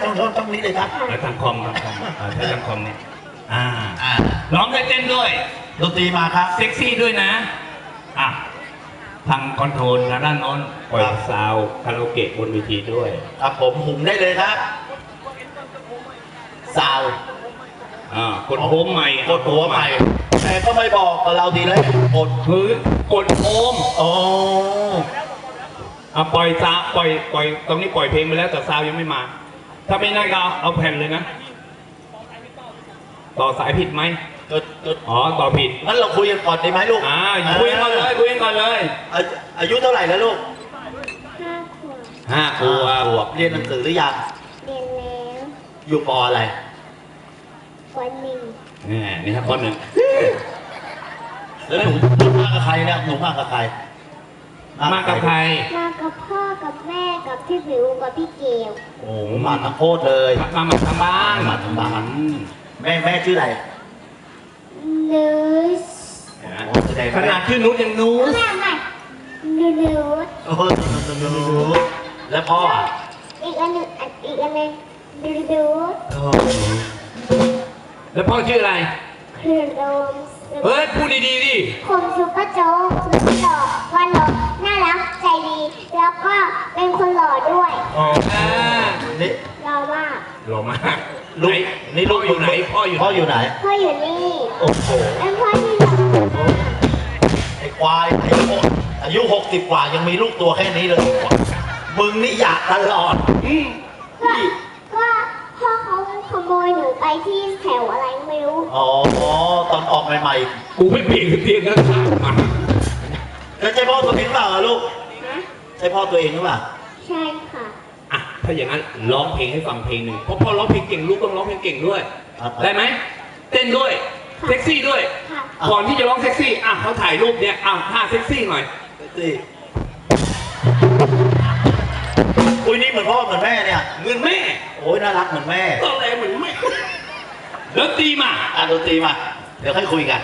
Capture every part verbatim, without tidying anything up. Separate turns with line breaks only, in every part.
ต้องต้องนี้เลยครับ
แล้วทางคอมทางคอมใช้ทางคอมเนี่ยอ่าอ่าร้องด้วยเต้นด้วย
ดนตรีมาครับ
เซ็กซี่ด้วยนะอ่ะทางคอนโทรลทางด้านโน้นปล่อยซาวคาราโอเกะบนเวทีด้วย
ครับผมหุ่มได้เลยครับซาว
อ่ากดโฮมใหม่
กดหัวใหม่แต่ก็ไม่บอกกับเราดีเลยกด
พื้นกดโฮม
โอ้
อ่ะปล่อยซาวปล่อยปล่อยตรงนี้ปล่อยเพลงไปแล้วแต่ซาวยังไม่มาถ้าไม่น่าก็เอาแผ่นเลยนะต่อสายผิดไหมอ๋อต่อผิด
งั้นเราคุยกันก่อนดีไหมลูก
อ่าคุยกันก่อนเลยคุยกันก่อนเลย
อายุเท่าไหร่แล้วลูก
ห้าขวบห้าขวบ
เรียนหนังสือหรือยัง
เรียนแล้ว
อยู่ป.อะไร
ป.หนึ่ง
นี่นี่ครับป.หนึ่ง
แล้วหนูหนูมากับใครเนี่ยหนูมากับใคร
มากับใคร
มากับพ่อกับแม่กับพี่ผิวกับพี่เกล
โอ้มาทั้งโคตรเลย
มามาทั้งบ้าน
มาทั้งบ้านแม่แม่ชื่ออะไร
นูส
ขนาดชื่อนุชยังนูส
ไม่ไม่นูนูส
โอ้นูสแล้วพ่อ
อีกอันนึงอีกอันนึงนูนูส
แล้วพ่อชื่ออะไร
คือโดม
เฮ้ยพูดดีๆดิ
ผมซุปเปอร์โจ๊กสุดหล่อวันหล่อน่ารักใจดีแล้วก็เป็นคนหล่อด้วย
อ๋อ
นี่
หล่อมาก
หล่อมาก
ลูกนี่ลูกอยู่ไหนพ่ออยู่พ่ออยู่ไหน
พ่ออยู่นี่
โอ้โห
เป็นพ่อที่หล่อ
ไอ้ควายอายุอายุหกสิบกว่ายังมีลูกตัวแค่นี้เลยมึงนี่อยากตลอด
ก็ก็พ่อเขาขโมยหนูไปที่แถวอะไรไม่รู้
อ๋อตอนออกใหม่
ๆกูไม่เปลี่ยนเตียงแล้วถามมา
แล้วใช่พ่อตัวเองหรือเปล่าลูกใช่พ่อตัวเองหรือเปล่า
ใช่ค่ะ
อ่ะถ้าอย่างนั้นร้องเพลงให้ฟังเพลงหนึ่งเพราะพ่อร้องเพลงเก่งลูกต้องร้องเพลงเก่งด้วยได้ไหมเต้นด้วยเซ็กซี่ด้วยก่อนที่จะร้องเซ็กซี่อ่ะเขาถ่ายรูปเนี่ยอ่ะท่าเซ็กซี่หน่อย
เซ็กซี่อุ้ยนี่เหมือนพ่อเหมือนแม่เนี่ย
เหมือนแม่
โอ้ยน่ารักเหมือนแม่
ต้องแรงเหมือนแม่ดนตรีมา
อ่ะดนตรีมาเดี๋ยวค่อยคุยกัน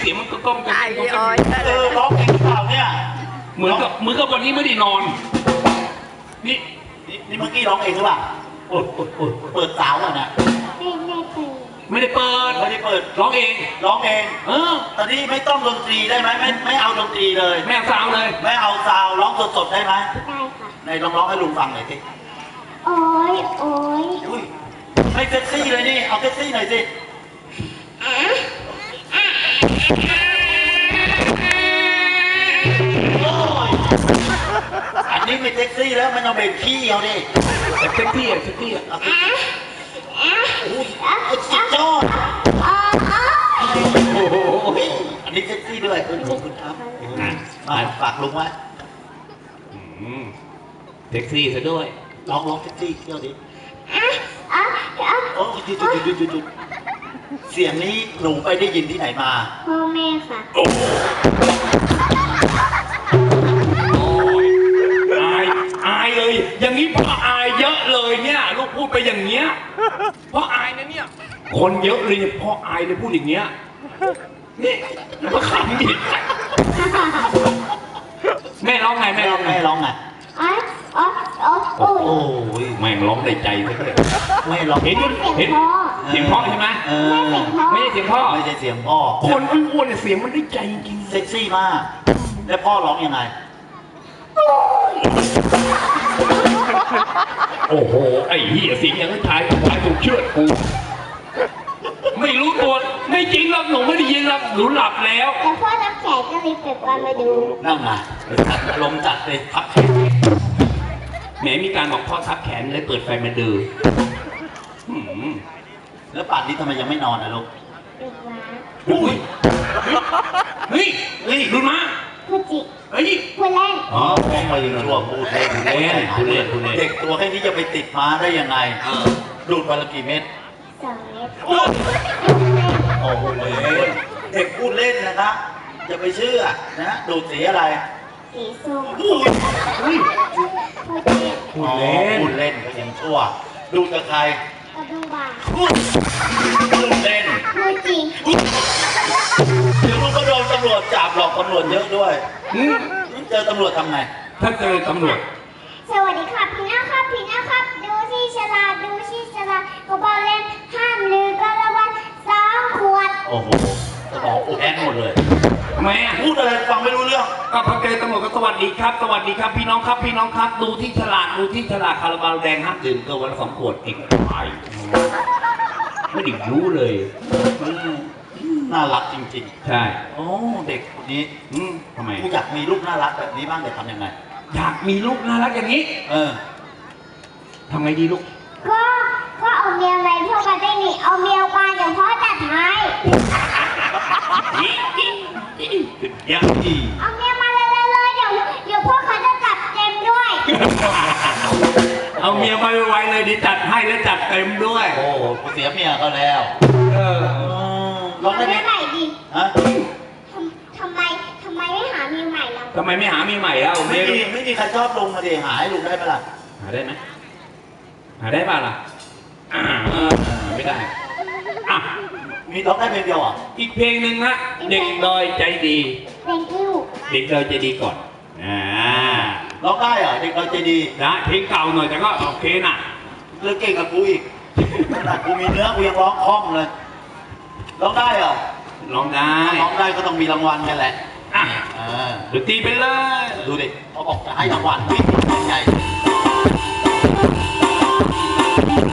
เสียงมันก็ก้มกัน
เออร้องเพลงหรือเปล่าเนี่ย
เหมือนกับเหมือนกับวันนี้ไม่ได้นอน นี่
นี่นี่เมื่อกี้ร้องเองหรือเปล่าโอ้โหเปิดสาวอ่ะนะ
ไม่ไม่เป็น
ไม่ได้เปิด
ไม่ได้เปิด
ร้องเอง
ร้องเอง
เออ
ตอนนี้ไม่ต้องดนตรีได้ไหมไม่ไม่เอาดนตรีเลย
แม่เอาซาวเลย
ไม่เอาซาวด์ร้องสดๆได้ไหม
ได้ค่ะ
ไหนลองร้องให้ลุงฟังหน่อยสิ
โอ้ยโอ้ย
อุ้ยไม่เซ็กซี่เลยนี่เอาเซ็กซี่หน่อยสิโอ้ยอันนี้ไม่เซ็กซี่แล้วมันเอาเบรกขี้เอาดิ
แต่เซ็กซี่อะเซ็กซี่อะ
เอาสิอุ้ยสุดยอด
อ๋ออ๋อ
โอ้โห
อันนี้เซ็กซี่ด้วยขอบคุณครับมาฝากลุงไว้
อืมเซ็กซี่ซะด้วย
ร้องร้องเซ็กซี่เที่ยวดิ
อ๋ออ๋อ
โอ้ยหยุดหยุดหยุดหยุดหยุดเสียงนี้หนูไปได้ยินที่ไหนมา
พ่อแม่ค่ะ
โอ้ยอายอายเลย อย่างนี้พ่ออายเยอะเลยเนี่ย ลูกพูดไปอย่างเงี้ยพ่ออายนะเนี่ย คนเยอะเลยเนี่ยพ่ออายเลยพูดอย่างเงี้ยนี่แล้วก็ขำดิแม่ร้องไงแม่
แม่
ร้องไง
แม่ร้องไง
อ๋ออ๋ออ๋อโอ้ย
โอ้ย
แม่งร้องในใจซะเลย
แม่ร้อง
เห็นเห็นเสียงเพราะใช่ไหม
เออ
ไม่ใช่เสียงพ่อ
ไม่ใช่เสียงพ่อ
คนอ้วนๆเนี่ยเสียงมันได้ใจจริง
เซ็กซี่มาก แล้วพ่อร้องยังไง
โอ้โหไอ้เหี้ยเสียงอย่างนั้นชายชายถูกเชือดกูไม่รู้ตัวไม่จริงหรอกหนูไม่ได้ยินหรอกหนูหลับแล้ว
แล้วพ่อรับแขกก็เลยเปิดวันมาดู
นั่งมาจัดอารมณ์จัดเลยพักแขน
แหมมีการบอกพ่อทับแขนเลยเปิดไฟมาดูหืม
แล้วป่านนี้ทำไมยังไม่นอนนะลูก
เปิดมา
อุ้ยเฮ้ยเฮ้ยดูมา
พูดจิ
เฮ้ย
พูดเล่น
อ๋อพ่อมายิงชั่วพูดเล่น
พูดเล่นพูดเล่นพูดเล่น
เด็กตัวแค่นี้จะไปติดม้าได้ยังไง
เออ
ดูดวันละกี่เม็ด
สองเม็ด
โอ้โหเด็กพูดเล่นนะครับอย่าไปเชื่อนะดูดสีอะไร
สีส้ม
อุ้ยอุ้ย
พูดเล่น
พูดเล่น
พูดเล่นก็ยังชั่ว ดูดกับใคร
กระดูบา
พูดพูดเล่น
พูดจริง
เดี๋ยวลูกก็โดนตำรวจจับหรอกตำรวจเยอะด้วย
อืม
เจอตำรวจทำไง
ถ้าเจอตำรวจ
สวัสดีครับพี่น้าครับพี่น้าครับ ดูที่ฉลาดดูที่ฉลาดกระเป๋าเล่นห้ามลืมก็ละวันสองขวด
โอ้โหสมองอุดแอนหมดเลย
ทำไมอ่ะ
พูดอะไรฟังไม่รู้เรื่อง
ก็พอเจอตำรวจก็สวัสดีครับ สวัสดีครับพี่น้องครับพี่น้องครับ ดูที่ฉลากดูที่ฉลากคาราบาวแดงห้ามดื่มเกินวันละสองขวดเองไปไม่ได้รู้เลย
อืมน่ารักจริง
ใช่
ๆ โอ้เด็กคนนี้
อืมทำไม
กูอยากมีลูกน่ารักแบบนี้บ้างแต่ทำยังไง
อยากมีลูกน่ารักอย่างนี้
เออ
ทำไงดีลูก
ก็ก็เอาเมียไปพวกกันได้นี่เอาเมียมาเดี๋ยวพ่อจัดให้
ยัง
อี
เอาเมียมาเลยเลยเลยเดี๋ยวเดี๋ยวพวกเขาจะจัดเต็มด้วย
เอาเมียมาไวๆเลยดิจัดให้แล้วจัดเต็มด้วย
โอ้กูเสียเมียเขาแล้ว
เออ
อืมร้องได้
เอา
ไหม
เมียใหม่ดิ
ฮะ
ทำทำไมทำไมไม่หาเมียใหม่ล่ะ
ทำไมไม่หาเมียใหม่แล้ว
ไม่
เมีย
มีไม่มีใครชอบลุงมาดิหาให้ลุงได้ไหมล่ะ
หาได้ไหมหาได้ป่ะล่ะอ่าเออไม่ได้อ่ะ
มีร้องได้เพลงเดียวเหรอ่ะ
อีกเพลงหนึ่งนะเด็กดอยใจดี
thank you
เด็กดอยใจดีก่อนอ่า
ร้องได้เหรอเด็กเราใจดี
นะเพลงเก่าหน่อยแต่ก็โอเคนะ
เรื่องเก่งกับกูอีกขนาดกูมีเนื้อกูยังร้องคล่องเลยร้องได้เหรอ
ร้องได้
ร้องได้ก็ต้องมีรางวัลกันแหละ
อ่ะ
อ่า
ดนตรีไปเลย
ดูดิเขาบอกจะให้รางวัลวิ่งใหญ่